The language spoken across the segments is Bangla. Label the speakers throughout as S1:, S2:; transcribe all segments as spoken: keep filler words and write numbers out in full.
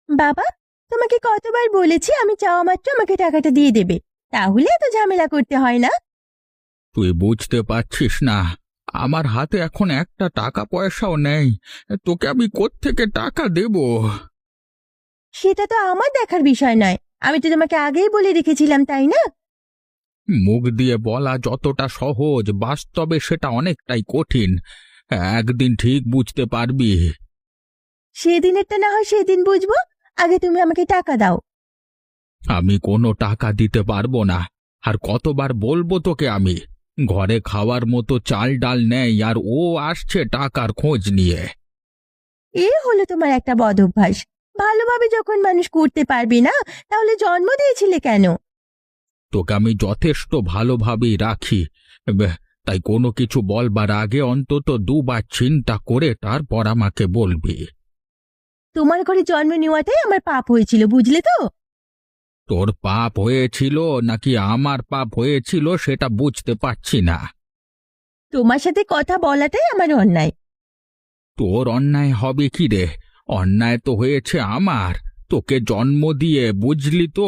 S1: বাবা, তোমাকে কতবার বলেছি আমি চাওয়া মাত্র আমাকে টাকাটা দিয়ে দেবে, তাহলে এত ঝামেলা করতে হয় না।
S2: তুই বুঝতে পারছিস না, আমার হাতে এখন একটা টাকা পয়সাও নেই। তোকে আমি কোত্থেকে টাকা দেব?
S1: সেটা তো আমার দেখার বিষয় নয়, আমি তো তোমাকে আগেই বলে রেখেছিলাম, তাই না?
S2: মুখ দিয়ে বলা যতটা সহজ, বাস্তবে সেটা অনেকটাই কঠিন। একদিন ঠিক বুঝতে পারবি।
S1: সেদিনেরটা না হয় সেদিন বুঝবো, আগে তুমি আমাকে টাকা দাও।
S2: আমি কোনো টাকা দিতে পারবো না। আর কতবার বলবো তোকে আমি, ঘরে খাওয়ার মতো চাল ডাল নেই, আর ও আসছে টাকার খোঁজ নিয়ে।
S1: এ হলো তোমার একটা বদ অভ্যাস। ভালোভাবে যখন মানুষ করতে পারবে না, তাহলে জন্ম দিয়েছিলে কেন?
S2: তোকে আমি যথেষ্ট ভালোভাবেই রাখি। বেহ, তাই কোনো কিছু বলবার আগে অন্তত দুবার চিন্তা করে তারপর আমাকে বলবি।
S1: তোমার ঘরে জন্ম নেওয়াটাই আমার পাপ হয়েছিল, বুঝলে তো?
S2: তোর পাপ হয়েছিল নাকি আমার পাপ হয়েছিল সেটা বুঝতে পারছি না।
S1: তোমার সাথে কথা বলাটাই আমার অন্যায়।
S2: তোর অন্যায় হবে কি রে? অন্যায় তো হয়েছে আমার, তোকে জন্ম দিয়ে, বুঝলি তো।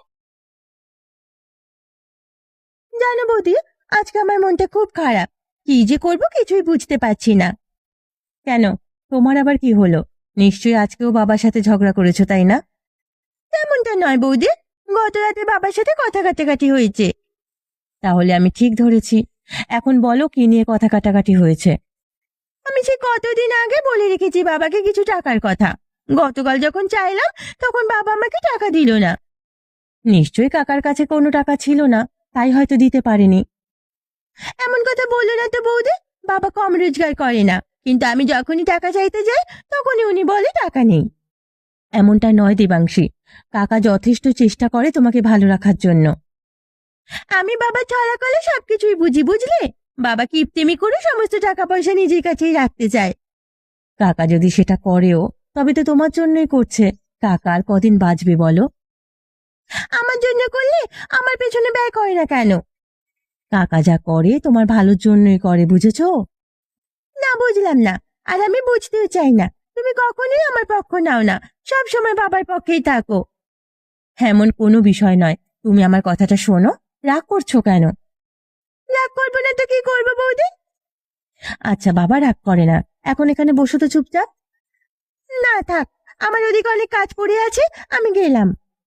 S1: জানো বৌদি, আজকে আমার মনটা খুব খারাপ। কি যে করব কিছুই বুঝতে পারছি না। কেন, তোমার আবার কি হলো? নিশ্চয়ই আজকেও বাবার সাথে ঝগড়া করেছো, তাই না? তেমনটা নয় বৌদি, গত রাতে বাবার সাথে কথা কাটাকাটি হয়েছে। তাহলে আমি ঠিক ধরেছি। এখন বলো কি নিয়ে কথা কাটাকাটি হয়েছে? আমি সে কতদিন আগে বলে রেখেছি বাবাকে কিছু টাকার কথা। গতকাল যখন চাইলাম, তখন বাবা আমাকে টাকা দিল না। নিশ্চয়ই কাকার কাছে কোনো টাকা ছিল না, তাই হয়তো দিতে পারেনি। এমন কথা বললো না তো বৌদি, বাবা কম রোজগার করে না, কিন্তু আমি যখনই টাকা চাইতে যাই তখনই উনি বলে টাকা নেই। এমনটা নয় দেবাংশী, কাকা যথেষ্ট চেষ্টা করে তোমাকে ভালো রাখার জন্য। আমি বাবা ছড়া কলে সবকিছুই বুঝি, বুঝলে? বাবা কিপটেমি করে সমস্ত টাকা পয়সা নিজের কাছেই রাখতে চায়। কাকা যদি সেটা করেও, তবে তো তোমার জন্যই করছে। কাকা আর কদিন বাঁচবে বলো? আমার জন্য করলে আমার পেছনে ব্যয় করে না কেন? কাকা যা করে তোমার ভালোর জন্যই করে, বুঝেছো? না, বুঝলাম না। আর আমি বুঝতেও চাই না। তুমি কখনোই আমার পক্ষ নাও না, সব সময় বাবার পক্ষেই থাকো। এমন কোনো বিষয় নয়, তুমি আমার কথাটা শোনো। রাগ করছো কেন? রাগ করবো না তো কি করবো বৌদি? আচ্ছা বাবা রাগ করে না, এখন এখানে বসো তো চুপচাপ। না থাক, আমার ওদিকে অনেক কাজ পড়ে আছে, আমি গেলাম।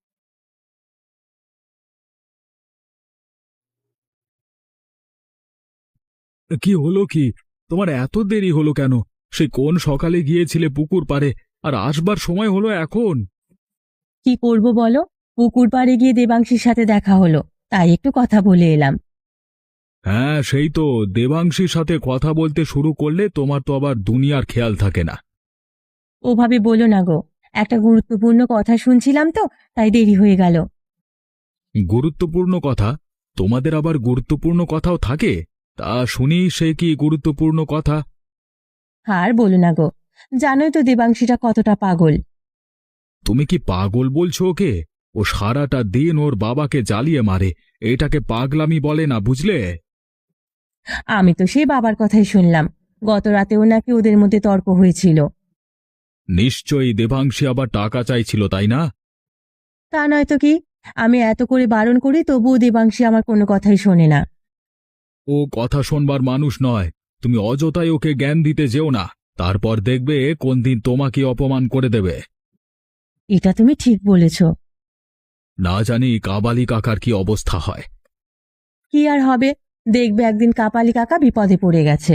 S3: কি হলো কি? তোমার এত দেরি হলো কেন? সে কোন সকালে গিয়েছিলে পুকুর পাড়ে, আর আসবার সময় হলো এখন?
S1: কি করব বলো, পুকুর পাড়ে গিয়ে দেবাংশীর সাথে দেখা হলো, তাই একটু কথা বলে এলাম।
S3: হ্যাঁ সেই তো, দেবাংশীর সাথে কথা বলতে শুরু করলে তোমার তো আবার দুনিয়ার খেয়াল থাকে না।
S1: ওভাবে বলো না গো, একটা গুরুত্বপূর্ণ কথা শুনছিলাম তো, তাই দেরি হয়ে গেল।
S3: গুরুত্বপূর্ণ কথা? তোমাদের আবার গুরুত্বপূর্ণ কথাও থাকে? তা শুনি, সে কি গুরুত্বপূর্ণ কথা?
S1: আর বলো না গো, জানোই তো দেবাংশীটা কতটা পাগল।
S3: তুমি কি পাগল বলছো ওকে? ও সারাটা দিন ওর বাবাকে জ্বালিয়ে মারে, এটাকে পাগলামি বলে না, বুঝলে?
S1: আমি তো সেই বাবার কথাই শুনলাম, গত রাতেও নাকি ওদের মধ্যে তর্ক হয়েছিল।
S3: নিশ্চয়ই দেবাংশী আবার টাকা চাইছিল, তাই না?
S1: তা নয় তো কি, আমি এত করে বারণ করি তবুও দেবাংশী আমার কোনো কথাই শোনে না।
S3: ও কথা শোনবার মানুষ নয়। তুমি অযথাই ওকে জ্ঞান দিতে যেও না, তারপর দেখবে কোন দিন তোমাকে অপমান করে দেবে।
S1: এটা তুমি ঠিক বলেছ।
S3: না জানি কাবালি কাকার কি অবস্থা হয়।
S1: কি আর হবে, দেখবে একদিন কাপালি কাকা বিপদে পড়ে গেছে।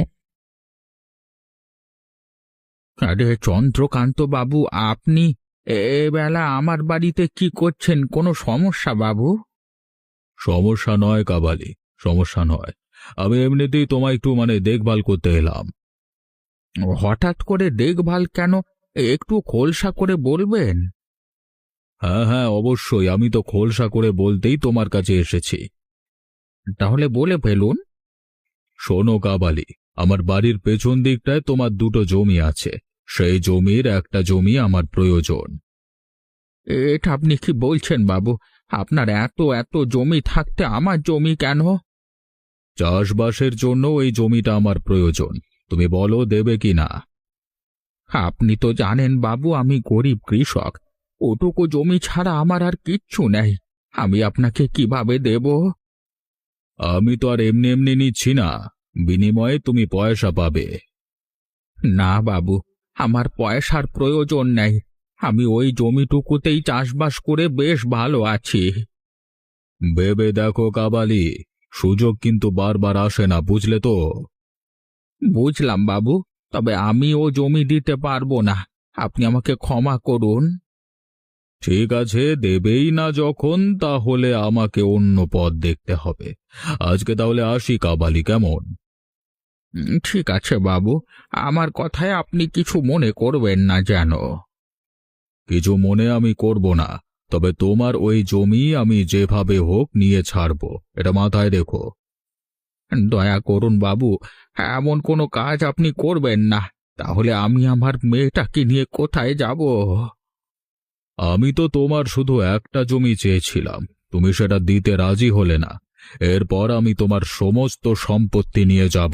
S2: আরে চন্দ্রকান্ত বাবু, আপনি এবেলা আমার বাড়িতে কি করছেন? কোনো সমস্যা বাবু?
S3: সমস্যা নয় কাবালি, সমস্যা নয়। আমি এমনিতেই তোমায় একটু মানে দেখভাল করতে এলাম।
S2: হঠাৎ করে দেখভাল কেন? একটু খোলসা করে বলবেন।
S3: হ্যাঁ হ্যাঁ অবশ্যই, আমি তো খোলসা করে বলতেই তোমার কাছে এসেছি।
S2: তাহলে বলে ফেলুন।
S3: শোনো কাবালি, আমার বাড়ির পেছন দিকটায় তোমার দুটো জমি আছে। সেই জমির একটা জমি আমার প্রয়োজন।
S2: এটা আপনি কি বলছেন বাবু? আপনার এত এত জমি থাকতে আমার জমি কেন?
S3: চাষবাসের জন্য এই জমিটা আমার প্রয়োজন। তুমি বলো দেবে কি না?
S2: আপনি তো জানেন বাবু, আমি গরিব কৃষক। ওটুকু জমি ছাড়া আমার আর কিচ্ছু নেই। আমি আপনাকে কিভাবে দেব?
S3: আমি তো আর এমনি এমনি নিচ্ছি না, বিনিময়ে তুমি পয়সা পাবে।
S2: না বাবু, আমার পয়সার প্রয়োজন নেই। আমি ওই জমিটুকুতেই চাষবাস করে বেশ ভালো আছি।
S3: ভেবে দেখো কাবালি, সুযোগ কিন্তু বারবার আসে না, বুঝলে তো?
S2: বুঝলাম বাবু, তবে আমি ও জমি দিতে পারবো না। আপনি আমাকে ক্ষমা করুন।
S3: ঠিক আছে, দেবেই না যখন, তাহলে আমাকে অন্য পথ দেখতে হবে। আজকে তাহলে আসি কাবালি, কেমন?
S2: উম, ঠিক আছে বাবু, আমার কথায় আপনি কিছু মনে করবেন না যেন।
S3: কিছু মনে আমি করব না, তবে তোমার ওই জমি আমি যেভাবে হোক নিয়ে ছাড়বো, এটা মাথায় রেখো।
S2: দয়া করুন বাবু, এমন কোনো কাজ আপনি করবেন না। তাহলে আমি আমার মেয়েটাকে নিয়ে কোথায় যাব?
S3: আমি তো তোমার শুধু একটা জমি চেয়েছিলাম, তুমি সেটা দিতে রাজি হলে না। এরপর আমি তোমার সমস্ত সম্পত্তি নিয়ে যাব।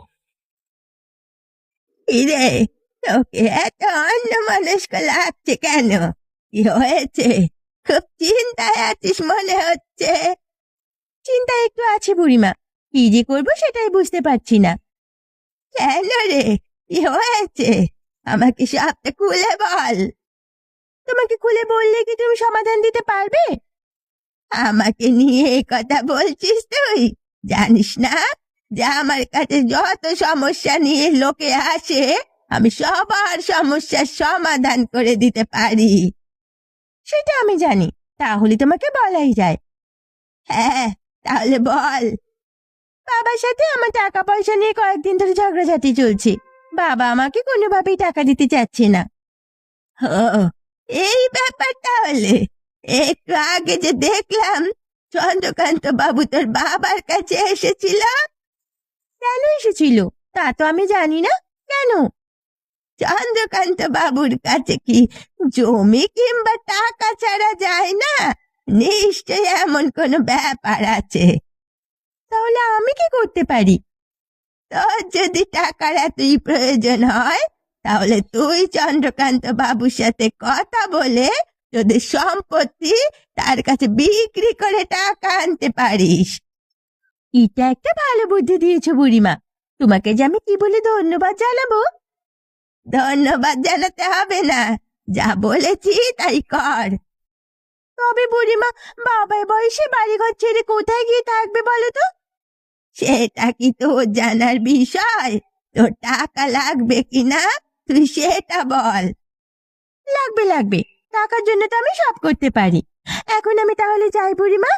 S1: ইরে, তোকে এত অন্যমনস্ক লাগছে কেন? কি হয়েছে? খুব চিন্তায় আছিস মনে হচ্ছে। চিন্তায় একটু আছে বুড়িমা, কি যে করবো সেটাই বুঝতে পারছি না। কেন রে, কি হয়েছে? আমাকে সবটা খুলে বল। তোমাকে খুলে বললে কি তুমি সমাধান দিতে পারবে? আমাকে নিয়ে এই কথা বলছিস তুই? জানিস না যে আমার কাছে যত সমস্যা নিয়ে লোকে আসে, আমি সবার সমস্যার সমাধান করে দিতে পারি। সেটা আমি জানি, তাহলে তোমাকে বলাই যায়। হ্যাঁ, তাহলে বল। বাবার সাথে আমার টাকা পয়সা নিয়ে কয়েকদিন ধরে ঝগড়াঝাটি চলছে। বাবা আমাকে কোনোভাবেই টাকা দিতে চাচ্ছে না। ও, এই ব্যাপারটা হলে একটু আগে যে দেখলাম চন্দ্রকান্ত বাবু তোর বাবার কাছে এসেছিল। কেন এসেছিল তা তো আমি জানি না। কেন? চন্দ্রকান্ত বাবুর কাছে কি জমি কিংবা টাকা ছাড়া যায় না? নিশ্চয় এমন কোনো ব্যাপার আছে। তাহলে আমি কি করতে পারি? তোর যদি টাকার এতই প্রয়োজন হয়, তাহলে তুই চন্দ্রকান্ত বাবুর সাথে কথা বলে তোদের সম্পত্তি তার কাছে বিক্রি করে টাকা আনতে পারিস। এটা একটা ভালো বুদ্ধি দিয়েছো বুড়িমা। তোমাকে যে আমি কি বলে ধন্যবাদ জানাবো? ধন্যবাদ জানাতে হবে না, যা বলেছি তাই কর। তবে বুড়িমা, বাবার বয়সে বাড়িঘর ছেড়ে কোথায় গিয়ে থাকবে বলো তো? সেটা কি তোর জানার বিষয়? তোর টাকা লাগবে কিনা তুই সেটা বল। লাগবে লাগবে, টাকার জন্য তো আমি সব করতে পারি। এখন আমি তাহলে যাই বুড়িমা।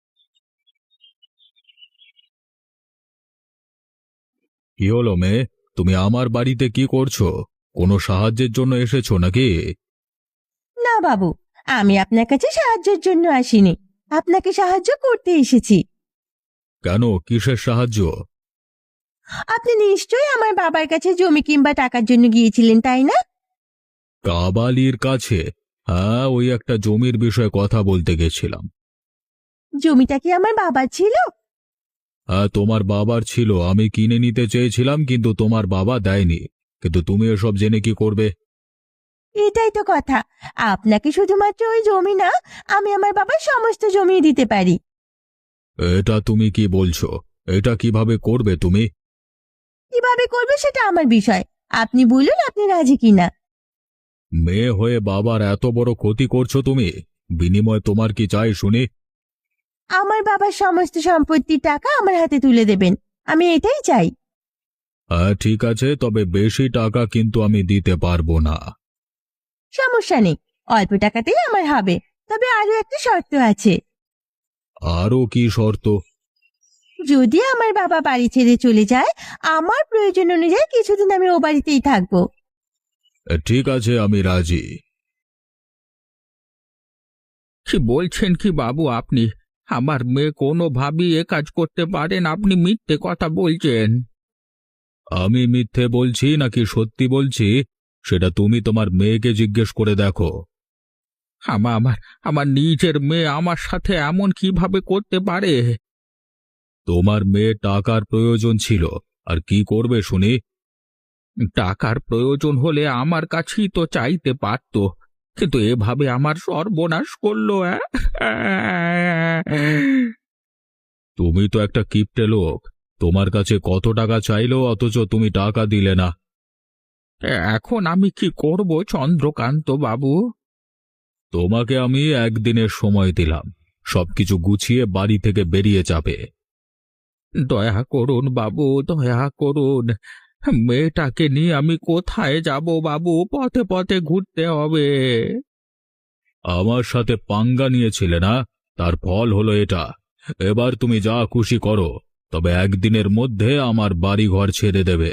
S3: কি হলো মেয়ে, তুমি আমার বাড়িতে কি করছো? কোনো সাহায্যের জন্য এসেছো নাকি?
S1: না বাবু, আমি আপনার কাছে সাহায্যের জন্য আসিনি, আপনাকে সাহায্য করতে এসেছি।
S3: কেন, কিসের সাহায্য?
S1: আপনি নিশ্চয়ই আমার বাবার কাছে জমি কিংবা টাকার জন্য গিয়েছিলেন, তাই না?
S3: কাবালির কাছে? হ্যাঁ, ওই একটা জমির বিষয়ে কথা বলতে গেছিলাম।
S1: জমিটা কি আমার বাবার ছিল?
S3: হ্যাঁ, তোমার বাবার ছিল, আমি কিনে নিতে চেয়েছিলাম, কিন্তু তোমার বাবা দেয়নি। কিন্তু তুমি এসব জেনে কি করবে?
S1: এটাই তো কথা, আপনাকে শুধুমাত্র ওই জমি না, আমি আমার বাবার সমস্ত জমি দিতে পারি।
S3: এটা তুমি কি বলছো? এটা কিভাবে করবে তুমি?
S1: কিভাবে করবে সেটা আমার বিষয়, আপনি বলুন আপনি রাজি কিনা।
S3: মেয়ে হয়ে বাবার এত বড় ক্ষতি করছো তুমি, বিনিময়ে তোমার কি চাই শুনি?
S1: আমার বাবার সমস্ত সম্পত্তির টাকা আমার হাতে তুলে দেবেন, আমি এটাই চাই।
S3: হ্যাঁ ঠিক আছে, তবে বেশি টাকা কিন্তু আমি দিতে পারবো না।
S1: সমস্যা নেই, অল্প টাকাতেই আমার হবে, তবে আরো একটা শর্ত আছে।
S3: আরও কি শর্ত?
S1: যদি আমার বাবা বাড়ি ছেড়ে চলে যায়, আমার প্রয়োজন অনুযায়ী কিছুদিন আমি ও বাড়িতেই থাকবো।
S3: ঠিক আছে, আমি রাজি।
S2: কি বলছেন কি বাবু আপনি? আমার মেয়ে কোনোভাবেই এ কাজ করতে পারেন? আপনি মিথ্যে কথা বলছেন।
S3: আমি মিথ্যে বলছি নাকি সত্যি বলছি, সেটা তুমি তোমার মেয়েকে জিজ্ঞেস করে দেখো।
S2: আমা আমার আমার নিজের মেয়ে আমার সাথে এমন কিভাবে করতে পারে?
S3: তোমার মেয়ে টাকার প্রয়োজন ছিল, আর কি করবে শুনি?
S2: টাকার প্রয়োজন হলে আমার কাছেই তো চাইতে পারতো। কিন্তু এভাবে আমার সর্বনাশ করলো। অ্যাঁ।
S3: তুমি তো একটা কিপটে লোক। তোমার কাছে কত টাকা চাইলো অথচ তুমি টাকা দিলে না।
S2: এখন আমি কি করব চন্দ্রকান্ত বাবু?
S3: তোমাকে আমি একদিনের সময় দিলাম, সবকিছু গুছিয়ে বাড়ি থেকে বেরিয়ে যাবে।
S2: দয়া করুন বাবু, দয়া করুন। মেয়েটাকে নিয়ে আমি কোথায় যাব বাবু? পথে পথে ঘুরতে হবে।
S3: আমার সাথে পাঙ্গা নিয়েছিলে না, তার ফল হলো এটা। এবার তুমি যা খুশি করো, তবে একদিনের মধ্যে আমার বাড়ি ঘর ছেড়ে দেবে।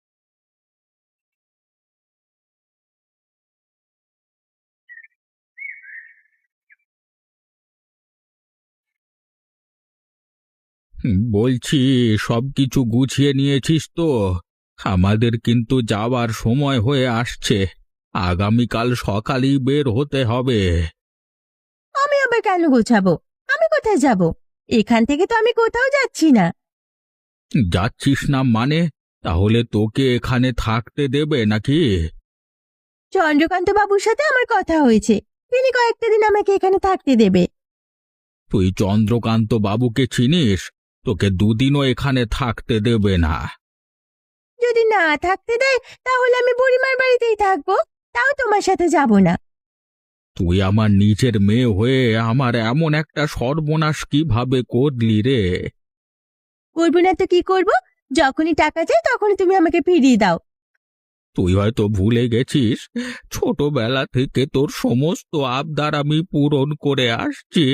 S2: হুম, বলছি সবকিছু গুছিয়ে নিয়েছিস তো? আমাদের কিন্তু যাওয়ার সময় হয়ে আসছে। আগামীকাল সকালেই বের হতে হবে।
S1: আমি আবার কেন গোছাবো? আমি কোথায় যাব? এখান থেকে তো আমি কোথাও যাচ্ছি না।
S2: যাচ্ছিস না মানে? তাহলে তোকে এখানে থাকতে দেবে নাকি?
S1: চন্দ্রকান্ত বাবুর সাথে আমার কথা হয়েছে, তিনি কয়েকটা দিন আমাকে এখানে থাকতে দেবে।
S2: তুই চন্দ্রকান্ত বাবুকে চিনিস? তোকে দুদিনও এখানে থাকতে দেবে না।
S1: যদি না থাকতে দেয় তাহলে আমি বুড়িমার বাড়িতেই থাকবো, তাও তোমার সাথে যাব না।
S2: তুই আমার নিজের মেয়ে হয়ে আমার এমন একটা সর্বনাশ কিভাবে করলি রে?
S1: করবো না তো কি করব? যখনই টাকা চাই তখনই তুমি আমাকে ফিরিয়ে দাও।
S2: তুই হয়তো ভুলে গেছিস, ছোটবেলা থেকে তোর সমস্ত আবদার আমি পূরণ করে আসছি।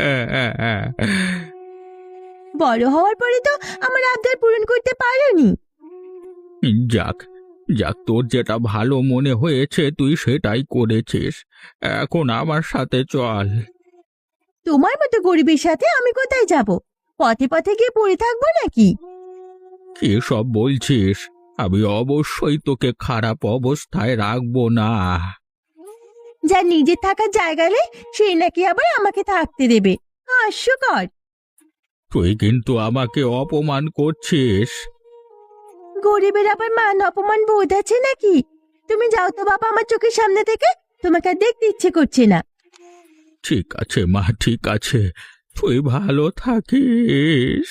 S1: বড় হওয়ার পরে তো আমার আবদার পূরণ করতে পারোনি।
S2: যাক, যাক, তোর যেটা ভালো মনে হয়েছে তুই সেটাই করেছিস। এখন আমার সাথে চল।
S1: তোমার মতো গরিবের সাথে আমি কোথায় যাব? পথে পথে গিয়ে পড়ে থাকবো নাকি?
S2: কি সব বলছিস? আমি অবশ্যই তোকে খারাপ অবস্থায় রাখবো না।
S1: যার নিজের থাকার জায়গা নেই সেই নাকি আবার আমাকে থাকতে দেবে? হাস্যকর।
S2: তুই কিন্তু আমাকে অপমান করছিস।
S1: গরিবের আবার মান অপমান বোধ আছে নাকি? তুমি যাও তো বাবা আমার চোখের সামনে থেকে, তোমাকে আর দেখতে ইচ্ছে করছে না।
S2: ঠিক আছে মা, ঠিক আছে, তুই ভালো থাকিস।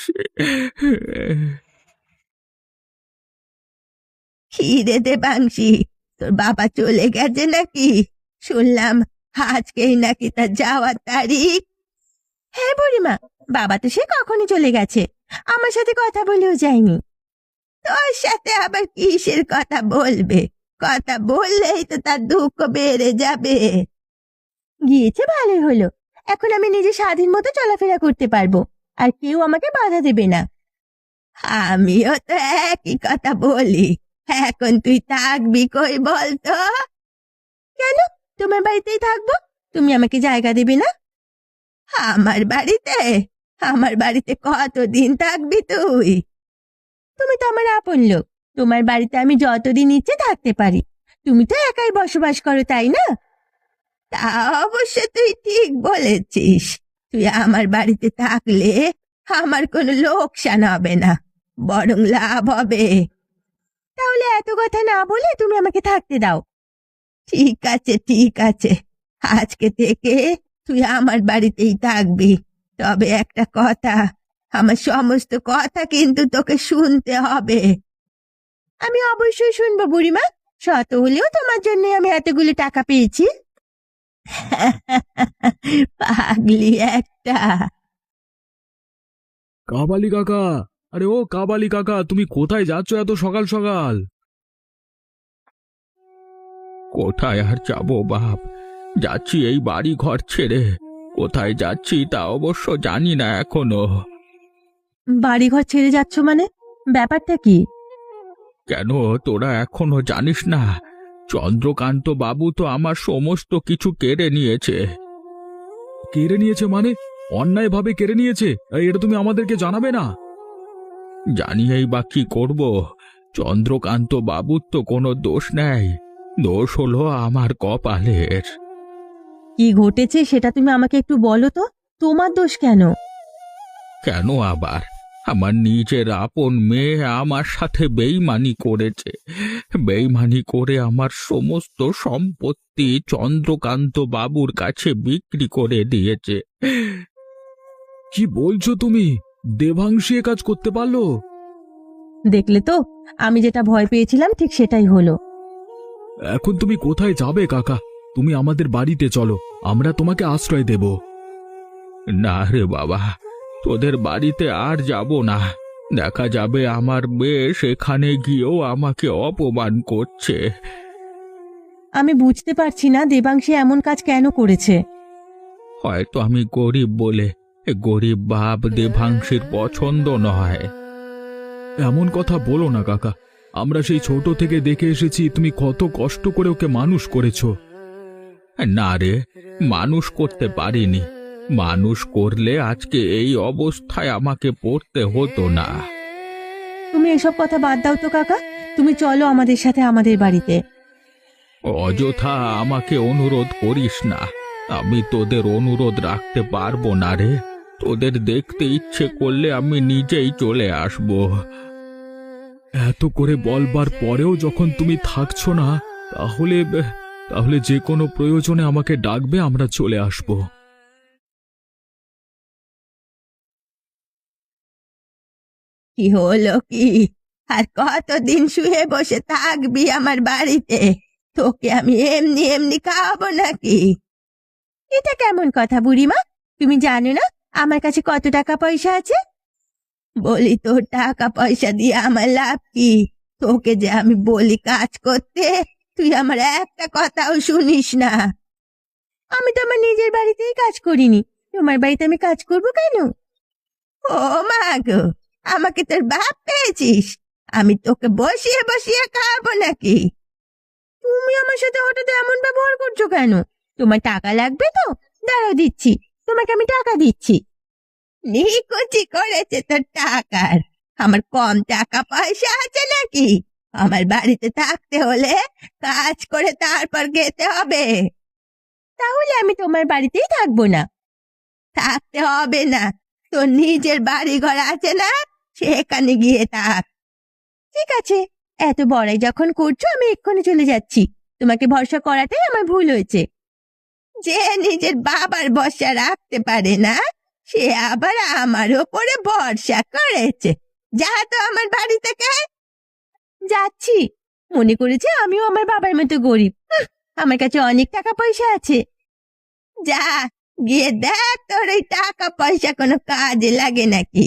S1: খিদে দে বাংশি, তোর বাবা চলে গেছে নাকি? শুনলাম আজকেই নাকি তার যাওয়ার তারিখ। হ্যাঁ বুড়িমা, বাবা তো সে কখনই চলে গেছে, আমার সাথে কথা বলেও যায়নি। তোর সাথে আবার কিসের কথা বলবে? কথা বললেই তো তার দুঃখ বেড়ে যাবে। গিয়েছে ভালোই হলো, এখন আমি নিজে স্বাধীন মতো চলাফেরা করতে পারবো, আর কেউ আমাকে বাধা দেবে না। আমিও তো একই কথা বলি। এখন তুই থাকবি কই বলতো? কেন? তোমার বাড়িতেই থাকবো, তুমি আমাকে জায়গা দেবে না? আমার বাড়িতে? আমার বাড়িতে কতদিন থাকবি তুই? তুমি তো আমার আপন লোক, তোমার বাড়িতে আমি যতদিন ইচ্ছে থাকতে পারি। তুমি তো একাই বসবাস করো, তাই না? তা অবশ্য তুই ঠিক বলেছিস। তুই আমার বাড়িতে থাকলে আমার কোনো লোকসান হবে না, বরং লাভ হবে। তাহলে এত কথা না বলে তুমি আমাকে থাকতে দাও। ঠিক আছে, ঠিক আছে, আজকে থেকে তুই আমার বাড়িতেই থাকবি। তবে একটা কথা, আমার সমস্ত কথা কিন্তু তোকে শুনতে হবে। আমি অবশ্যই শুনবো বুড়িমা, শত হলেও তোমার জন্য আমি এতগুলো টাকা পেয়েছি। পাগলি একটা।
S3: কাবালি কাকা, আরে ও কাবালি কাকা, তুমি কোথায় যাচ্ছ এত সকাল সকাল?
S2: কোথায় আর যাবো বাপ, যাচ্ছি এই বাড়ি ঘর ছেড়ে। কোথায় যাচ্ছি তা অবশ্য জানি না এখনো।
S1: বাড়িঘর ছেড়ে যাচ্ছ মানে? ব্যাপারটা কি?
S2: কেন, তোরা এখনো জানিস না? চন্দ্রকান্ত বাবু তো আমার সমস্ত কিছু কেড়ে নিয়েছে।
S3: কেড়ে নিয়েছে মানে? অন্যায় ভাবে কেড়ে নিয়েছে, এই, এটা তুমি আমাদেরকে জানাবে না?
S2: জানিয়েই বা কি করব? চন্দ্রকান্ত বাবুর তো কোনো দোষ নেই, দোষ হলো আমার কপালের।
S1: কি ঘটেছে সেটা তুমি আমাকে একটু বলো তো, তোমার দোষ কেন?
S2: কেন আবার? আমার নিজের আপন মেয়ে আমার সাথে বেইমানি করেছে। বেইমানি করে আমার সমস্ত সম্পত্তি চন্দ্রকান্ত বাবুর কাছে বিক্রি করে দিয়েছে।
S3: কি বলছো তুমি? দেবাংশী এ কাজ করতে পারলো?
S1: দেখলে তো, আমি যেটা ভয় পেয়েছিলাম ঠিক সেটাই হলো।
S3: এখন তুমি কোথায় যাবে কাকা? তুমি আমাদের বাড়িতে চলো, আমরা তোমাকে আশ্রয় দেব।
S2: না রে বাবা, তোদের বাড়িতে আর যাব না। দেখা যাবে আমার মেয়ে সেখানে গিয়েও আমাকে অপমান করছে।
S1: আমি বুঝতে পারছি না দেবাংশী এমন কাজ কেন করেছে।
S2: হয়তো আমি গরিব বলে। গরিব বাপ দেবাংশীর পছন্দ নয়।
S3: এমন কথা বলো না কাকা, আমরা সেই ছোট থেকে দেখে এসেছি তুমি কত কষ্ট করে ওকে মানুষ করেছো।
S2: না রে, মানুষ করতে পারিনি। মানুষ করলে আজকে এই অবস্থায় আমাকে পড়তে হতো না।
S1: তুমি এসব কথা বাদ দাও তো কাকা, তুমি চলো আমাদের সাথে আমাদের বাড়িতে।
S2: অযথা আমাকে অনুরোধ করিস না। আমি তোদের অনুরোধ রাখতে পারবো না রে। তোদের দেখতে ইচ্ছে করলে আমি নিজেই চলে আসব।
S3: এত করে বলবার পরেও যখন তুমি থাকছো না, তাহলে তাহলে যে কোনো প্রয়োজনে আমাকে ডাকবে, আমরা চলে আসব।
S1: কি হলো কি? আর কতদিন শুয়ে বসে থাকবি আমার বাড়িতে? তোকে আমি এমনি এমনি খাওয়াবো নাকি? এটা কেমন কথা বুড়িমা? তুমি জানো না আমার কাছে কত টাকা পয়সা আছে? বলি, তোর টাকা পয়সা দিয়ে আমার লাভ কি? তোকে যে আমি বলি কাজ করতে, তুই আমার একটা কথাও শুনিস না। আমি তো আমার নিজের বাড়িতেই কাজ করিনি, তোমার বাড়িতে আমি কাজ করব কেন? ও মা গো, আমাকে তোর বাপ পেয়েছিস? আমি তোকে বসিয়ে বসিয়ে খাওয়াবো নাকি? তুমি আমার সাথে হঠাৎ এমন ব্যবহার করছো কেন? তোমার টাকা লাগবে তো? দাঁড়াও, দিচ্ছি। তোমাকে আমি টাকা দিচ্ছি। নিকুচি করেছে তোর টাকার। আমার কম টাকা পয়সা আছে নাকি? আমার বাড়িতে থাকতে হলে কাজ করে তারপর খেতে হবে। তাহলে আমি তোমার বাড়িতেই থাকবো না। থাকতে হবে না, তোর নিজের বাড়ি ঘর আছে না, সেখানে গিয়ে থাক। ঠিক আছে, এত বড়াই যখন করছো আমি এক্ষুনি চলে যাচ্ছি। তোমাকে ভরসা করাটাই আমার ভুল হয়েছে। যে নিজের বাবার ভরসা রাখতে পারে না, সে আবার আমার ওপরে ভরসা করেছে। যা তো আমার বাড়ি থেকে। যাচ্ছি। মনে করেছে আমিও আমার বাবার মতো গরিব। হুঁ, আমার কাছে অনেক টাকা পয়সা আছে। যা, গিয়ে দেখ তোর ওই টাকা পয়সা কোনো কাজে লাগে নাকি।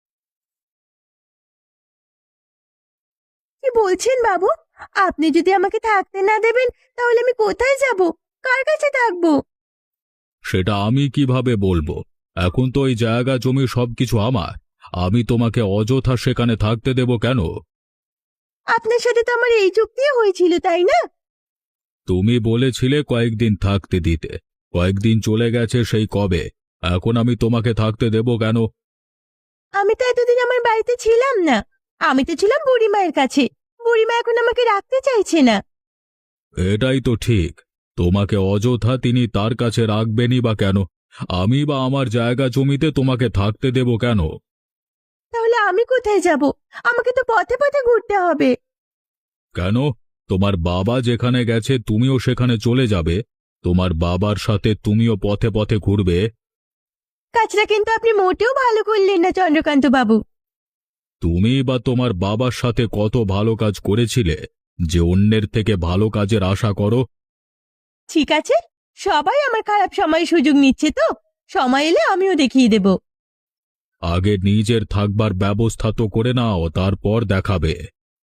S1: কি বলছেন বাবু? আপনি যদি আমাকে থাকতে না দেবেন তাহলে আমি কোথায় যাব? কার কাছে থাকবো?
S3: সেটা আমি কিভাবে বলবো? এখন তো ওই জায়গা জমি সবকিছু আমার। আমি তোমাকে অযথা সেখানে থাকতে দেব কেন?
S1: আপনার সাথে তো আমার এই চুক্তি হয়েছিল, তাই না?
S3: তুমি বলেছিলে কয়েকদিন থাকতে দিতে। কয়েকদিন চলে গেছে সেই কবে। এখন আমি তোমাকে থাকতে দেব কেন?
S1: আমি তো এতদিন আমার বাড়িতে ছিলাম না। আমি তো ছিলাম বুড়িমায়ের কাছে। বুড়িমা এখন আমাকে রাখতে চাইছে না।
S3: এটাই তো ঠিক। তোমাকে অযথা তিনি তার কাছে রাখবেনই বা কেন? আমি বা আমার জায়গা জমিতে তোমাকে থাকতে দেব কেন?
S1: তাহলে আমি কোথায় যাব? আমাকে তো পথে পথে ঘুরতে হবে।
S3: কেন? তোমার বাবা যেখানে গেছে তুমিও সেখানে চলে যাবে। তোমার বাবার সাথে তুমিও পথে পথে ঘুরবে।
S1: কাজটা কিন্তু আপনি মোটেও ভালো করলেন না চন্দ্রকান্ত বাবু।
S3: তুমি বা তোমার বাবার সাথে কত ভালো কাজ করেছিলে যে অন্যের থেকে ভালো কাজের আশা করো?
S1: ঠিক আছে, সবাই আমার খারাপ সময় সুযোগ নিচ্ছে, তো সময় এলে আমিও দেখিয়ে দেব।
S3: আগে নিজের থাকবার ব্যবস্থা তো করে নাও, তারপর দেখাবে।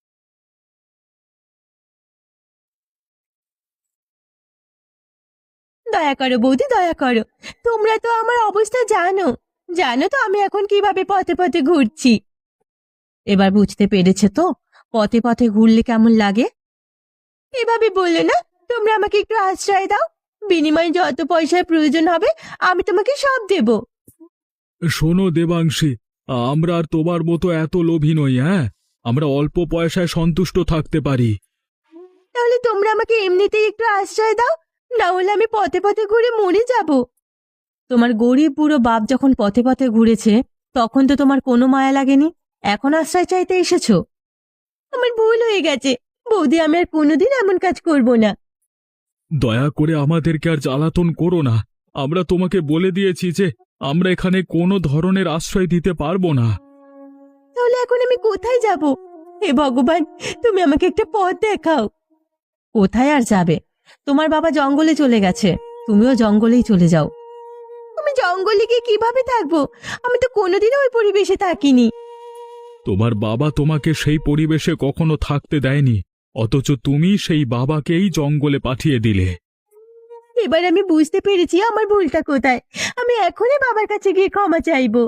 S1: দয়া করো বৌদি, দয়া করো। তোমরা তো আমার অবস্থা জানো। জানো তো আমি এখন কিভাবে পথে পথে ঘুরছি। এবার বুঝতে পেরেছে তো পথে পথে ঘুরলে কেমন লাগে? এভাবে বললে না, তোমরা আমাকে একটু আশ্রয় দাও। বিনিময়ে যত পয়সার প্রয়োজন হবে আমি তোমাকে সব দেব।
S3: শোনো দেবাংশী, আমরা আর তোমার মতো এত লোভী নই। হ্যাঁ, আমরা অল্প পয়সায় সন্তুষ্ট থাকতে পারি।
S1: তাহলে তোমরা আমাকে এমনিতেই একটু আশ্রয় দাও, না হলে আমি পথে পথে ঘুরে মরে যাব। তোমার গরিব বুড়ো বাপ যখন পথে পথে ঘুরেছে তখন তো তোমার কোনো মায়া লাগেনি, এখন আশ্রয় চাইতে এসেছো। আমার ভুল হয়ে গেছে বৌদি, আমি আর কোনোদিন এমন কাজ করব না।
S3: দয়া করে আমাদেরকে আর জ্বালাতন করো না। আমরা তোমাকে বলে দিয়েছি যে আমরা এখানে কোনো ধরনের আশ্রয় দিতে পারবো না।
S1: তাহলে এখন আমি কোথায় যাব? হে ভগবান, তুমি আমাকে একটা পথ দেখাও। কোথায় আর যাবে? তোমার বাবা জঙ্গলে চলে গেছে, তুমিও জঙ্গলেই চলে যাও। আমি জঙ্গলে গিয়ে কিভাবে থাকবো? আমি তো কোনোদিনও ওই পরিবেশে থাকিনি।
S3: তোমার বাবা তোমাকে সেই পরিবেশে কখনো থাকতে দেয়নি, অথচ তুমি সেই বাবাকেই জঙ্গলে পাঠিয়ে দিলে।
S1: এবার আমি বুঝতে পেরেছি আমার ভুলটা কোথায়। আমি এখনই বাবার কাছে গিয়ে ক্ষমা চাইবো।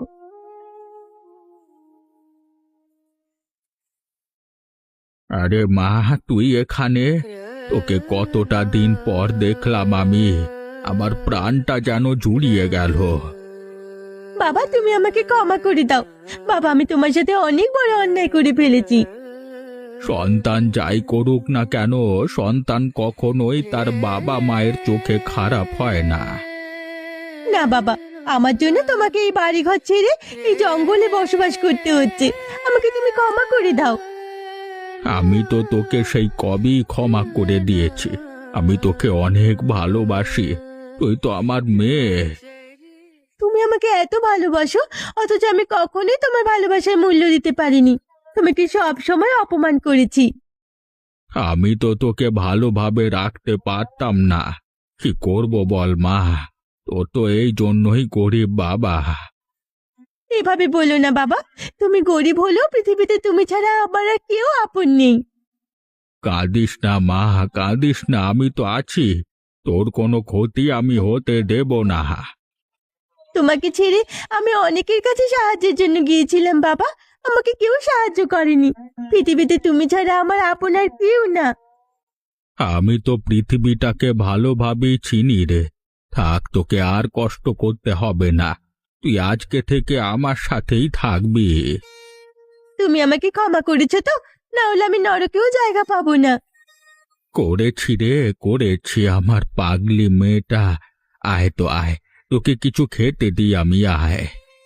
S2: আরে মা, তুই এখানে? তোকে কতটা দিন পর দেখলাম আমি, আমার প্রাণটা যেন জুড়িয়ে গেল।
S1: বাবা, তুমি আমাকে ক্ষমা করে দাও। বাবা, আমি তোমার সাথে অনেক বড় অন্যায় করে ফেলেছি।
S2: সন্তান যাই করুক না কেন, সন্তান কখনোই তার বাবা মায়ের চোখে খারাপ হয় না।
S1: না বাবা, আমার জন্য তোমাকে এই বাড়িঘর ছেড়ে এই জঙ্গলে বসবাস করতে হচ্ছে। আমাকে তুমি ক্ষমা করে দাও।
S2: আমি তো তোকে সেই কবেই ক্ষমা করে দিয়েছি। আমি তোকে অনেক ভালোবাসি, তুই তো আমার মেয়ে।
S1: তুমি আমাকে এত ভালোবাসো, অথচ আমি কখনোই তোমার ভালোবাসার মূল্য দিতে পারিনি। তোমাকে সব সময় অপমান করেছি।
S2: আমি তো তোকে ভালোভাবে রাখতে পারতাম না, কি করব বল মা, তোর তো এই জন্যই গরিব বাবা।
S1: এভাবে বলো না বাবা, তুমি গরিব হলেও পৃথিবীতে তুমি ছাড়া আমার আর কেউ আপন নেই।
S2: কাঁদিস না মা, কাঁদিস না, আমি তো আছি, তোর কোনো ক্ষতি আমি হতে দেব না।
S1: তোমাকে ছেড়ে আমি অনেকের কাছে সাহায্যের জন্য গিয়েছিলাম বাবা, আমাকে কেউ সাহায্য করেনি। পৃথিবীতে তুমি ছাড়া আমার আপন আর কেউ না।
S2: আমি তো পৃথিবীটাকে ভালোভাবেই চিনি রে। থাক, তোকে আর কষ্ট করতে হবে না, তুই আজকে থেকে আমার সাথেই থাকবি।
S1: তুমি আমাকে ক্ষমা করেছো তো? না হলে আমি নরকেও জায়গা পাবো না।
S2: করেছি রে, করেছি আমার পাগলি মেয়েটা। আয় তো আয়, তোকে কিছু খেতে দিই আমি, আয়।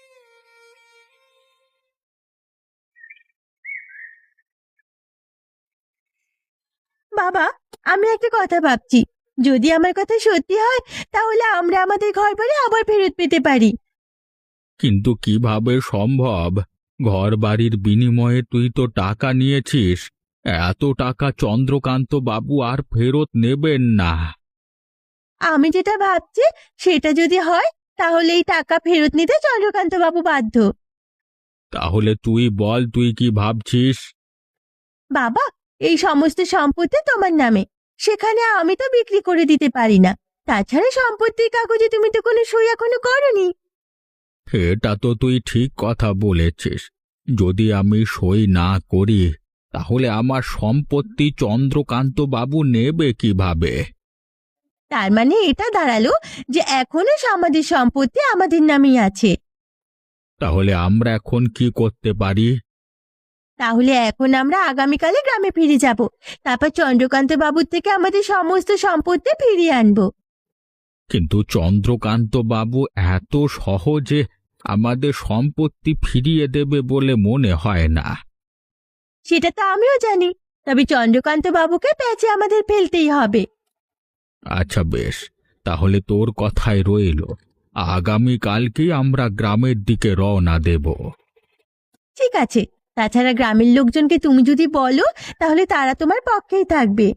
S1: বাবা, আমি একটা কথা ভাবছি, যদি আমার কথা সত্যি হয় তাহলে আমরা আমাদের ঘর বাড়ি আবার ফেরত পেতে পারি।
S2: কিন্তু কিভাবে সম্ভব? ঘর বাড়ির বিনিময়ে তুই তো টাকা নিয়েছিস, এত টাকা চন্দ্রকান্ত বাবু আর ফেরত নেবেন না।
S1: আমি যেটা ভাবছি সেটা যদি হয় তাহলে এই টাকা ফেরত নিতে চন্দ্রকান্ত বাবু বাধ্য।
S2: তাহলে তুই বল, তুই কি ভাবছিস?
S1: বাবা, এই সমস্ত সম্পত্তি তোমার নামে, সেখানে আমি তো বিক্রি করে দিতে পারি না। তাছাড়া সম্পত্তির কাগজে তুমি তো কোনো সই এখনো করনি।
S2: এটা তো তুই ঠিক কথা বলেছিস, যদি আমি সই না করি তাহলে আমার সম্পত্তি চন্দ্রকান্ত বাবু নেবে কিভাবে?
S1: তার মানে এটা দাঁড়ালো যে এখনো আমাদের সম্পত্তি আমাদের নামেই আছে।
S2: তাহলে আমরা এখন কি করতে পারি?
S1: তাহলে এখন আমরা আগামীকালে গ্রামে ফিরে যাব, তারপর চন্দ্রকান্ত বাবুর থেকে আমাদের সমস্ত সম্পত্তি ফিরিয়ে আনবো।
S2: কিন্তু চন্দ্রকান্ত বাবু এত সহজে আমাদের সম্পত্তি ফিরিয়ে দেবে বলে মনে হয় না।
S1: সেটা তো আমিও জানি, তবে চন্দ্রকান্ত বাবুকে প্যাচে আমাদের ফেলতেই হবে।
S2: আচ্ছা বেশ, তাহলে তোর কথাই রইল, আগামীকালকেই আমরা গ্রামের দিকে রওনা দেব।
S1: ঠিক আছে, তাছাড়া গ্রামের লোকজনকে তুমি যদি বলো তাহলে তারা তোমার পক্ষেই থাকবে।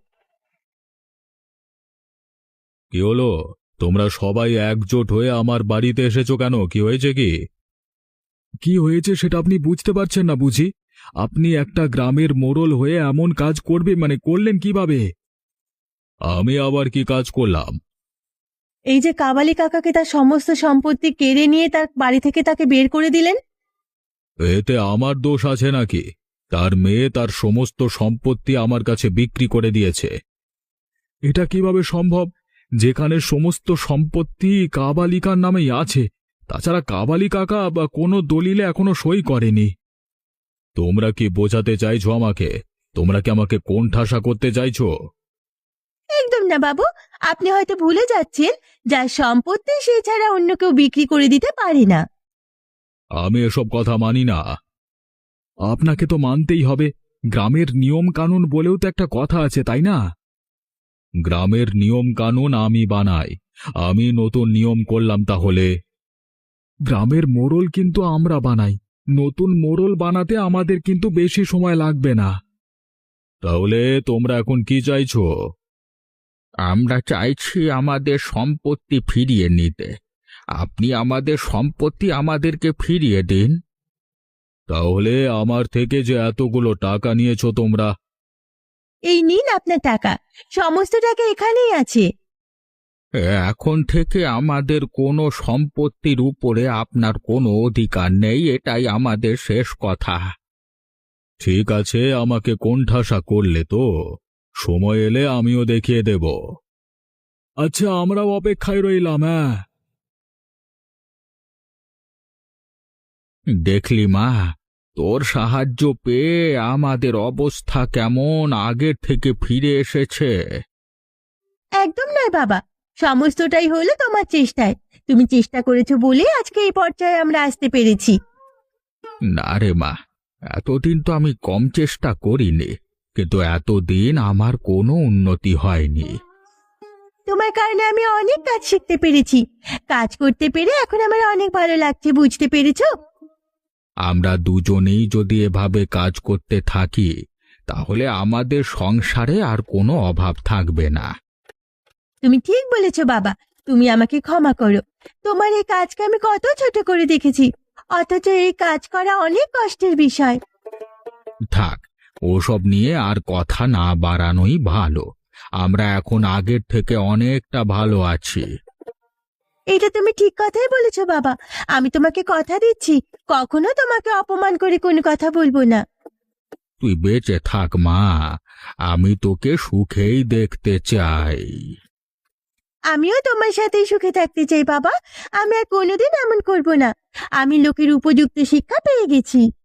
S3: কি হলো, তোমরা সবাই একজোট হয়ে আমার বাড়িতে এসেছো কেন? কি হয়েছে? কি কি হয়েছে সেটা আপনি বুঝতে পারছেন না বুঝি? আপনি একটা গ্রামের মোড়ল হয়ে এমন কাজ করবে মানে করলেন কিভাবে? আমি আবার কি কাজ করলাম?
S1: এই যে কাবালি কাকাকে তার সমস্ত সম্পত্তি কেড়ে নিয়ে তার বাড়ি থেকে তাকে বের করে দিলেন।
S3: এতে আমার দোষ আছে নাকি? তার মেয়ে তার সমস্ত সম্পত্তি আমার কাছে বিক্রি করে দিয়েছে। এটা কিভাবে সম্ভব, যেখানে সমস্ত সম্পত্তি কাবালিকার নামেই আছে? তাছাড়া কাবালি কাকা বা কোনো দলিলে এখনো সই করেনি। তোমরা কি বোঝাতে চাইছো আমাকে? তোমরা কি আমাকে কোণঠাসা করতে চাইছো?
S1: একদম না বাবু, আপনি হয়তো ভুলে যাচ্ছেন যার সম্পত্তি সে ছাড়া অন্য কেউ বিক্রি করে দিতে পারে না।
S3: আমি এসব কথা মানি না। আপনাকে তো মানতেই হবে, গ্রামের নিয়ম কানুন বলেও তো একটা কথা আছে, তাই না? গ্রামের নিয়ম কানুন আমি বানাই, আমি নতুন নিয়ম করলাম তাহলে? গ্রামের মোড়ল কিন্তু আমরা বানাই, নতুন মোড়ল বানাতে আমাদের কিন্তু বেশি সময় লাগবে না। তাহলে তোমরা এখন কি চাইছো?
S2: আমরা চাইছি আমাদের সম্পত্তি ফিরিয়ে নিতে। আপনি আমাদের সম্পত্তি আমাদেরকে ফিরিয়ে দিন।
S3: তাহলে আমার থেকে যে এতগুলো টাকা নিয়েছো তোমরা,
S1: এই নিন আপনার টাকা, সমস্ত টাকা এখানেই আছে।
S2: এখন থেকে আমাদের কোনো সম্পত্তির উপরে আপনার কোনো অধিকার নেই, এটাই আমাদের শেষ কথা।
S3: ঠিক আছে, আমাকে কোণঠাসা করলে তো, সময় এলে আমিও দেখিয়ে দেব। আচ্ছা, আমরাও অপেক্ষায় রইলাম। হ্যাঁ,
S2: দেখলি মা, তোর সাহায্য পেয়ে আমাদের অবস্থা কেমন আগের থেকে ফিরে এসেছে।
S1: একদম নয় বাবা, সমস্তটাই হলো তোমার চেষ্টায়। তুমি চেষ্টা করেছো বলে আজকে এই পর্যায়ে আমরা আসতে পেরেছি।
S2: না রে মা, এতদিন তো আমি কম চেষ্টা করিনি, কিন্তু এতদিন আমার কোনো উন্নতি হয়নি।
S1: তোমার কারণে আমি অনেক কাজ শিখতে পেরেছি, কাজ করতে পেরে এখন আমার অনেক ভালো লাগছে, বুঝতে পেরেছো?
S2: আমরা দুজনেই যদি এভাবে কাজ করতে থাকি, তাহলে আমাদের সংসারে আর কোনো অভাব থাকবে না।
S1: তুমি ঠিক বলেছো বাবা, তুমি আমাকে ক্ষমা করো। তোমার এই কাজকে আমি কত ছোট করে দেখেছি, অথচ এই কাজ করা অনেক কষ্টের বিষয়।
S2: থাক, ওসব নিয়ে আর কথা না বাড়ানোই ভালো। আমরা এখন আগের থেকে অনেকটা ভালো আছি।
S1: এটা তুমি ঠিক কথাই বলেছো বাবা, আমি তোমাকে কথা দিচ্ছি কখনো তোমাকে অপমান করে কোনো কথা বলবো না।
S2: তুই বেঁচে থাক মা, আমি তোকে সুখেই দেখতে চাই।
S1: আমিও তোমার সাথেই সুখে থাকতে চাই বাবা, আমি আর কোনোদিন এমন করব না। আমি লোকের উপযুক্ত শিক্ষা পেয়ে গেছি।